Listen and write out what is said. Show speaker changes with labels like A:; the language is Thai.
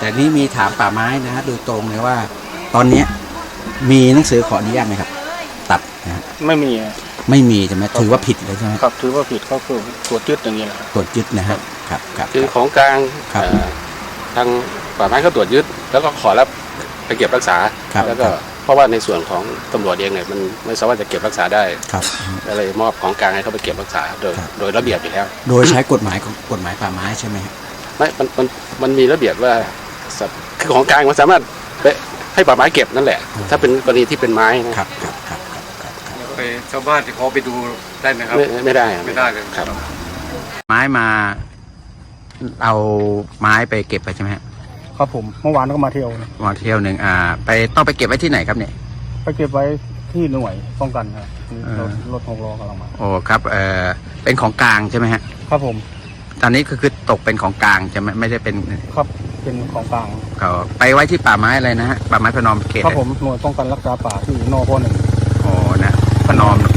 A: แต่นี่มีถามป่าไม้นะฮะโดยตรงเลยว่า ตอนเนี้ยมีหนังสือขออนุญาตไหมครับ ตัดนะฮะ
B: ไม่มี
A: ไม่มีใช่ไหมถือว่าผิดเลยใช่ไหม
B: ครับถือว่าผิดก็คือตรวจยึดอย่างนี้แหละ
A: ตรวจยึดนะฮะครับครับ
C: คือของกลาง
A: ครับ
C: ทางป่าไม้เขาตรวจยึดแล้วก็ขอรับไปเก็บรักษา
A: ครับ
C: แล้วก็เพราะว่าในส่วนของตำรวจเองเนี่ยมันไม่สามารถจะเก็บรักษาได้
A: ครับ
C: ก็เลยมอบของกลางให้เขาไปเก็บรักษาโดยระเบียบอยู่แล้ว
A: โดยใช้กฎหมายของกฎหมายป่าไม้ใช่ไหมฮะ
C: ไม่มันมีระเบียบว่าคือของกลางมันสามารถไปให้ป่าไม้เก็บนั่นแหละ ถ้าเป็นกรณีที่เป็นไม้นะครับ
A: ครับครับครับครับ
D: ไปชาวบ้านที่เขาไปดูได้ไหมครับ
C: ไม่ได้
D: ไม่ได้เลย
C: ครับ
A: ไม้มาเอาไม้ไปเก็บไปใช่ไหมฮะ
B: ครับผมเมื่อวานก็มาเที่ยวนะ
A: มาเที่ยวหนึ่งไปต้องไปเก็บไว้ที่ไหนครับเนี่ย
B: ไปเก็บไว้ที่หน่วยป้องกันครับ
A: เออ
B: รถ6 ล้อกำลังมา
A: โอ้ครับเป็นของกลางใช่ไหมฮะ
B: ครับผม
A: ตอนนี้คือตกเป็นของกลางใช่ไหมไม่ได้เป็น
B: ครับเป็นของกลาง
A: เขาไปไว้ที่ป่าไม้อะไรนะฮะป่าไม้พนอมเขต
B: ครับผมหน่วยป้องกันรักษาป่าที่นพ.1
A: โอ้นะพนอม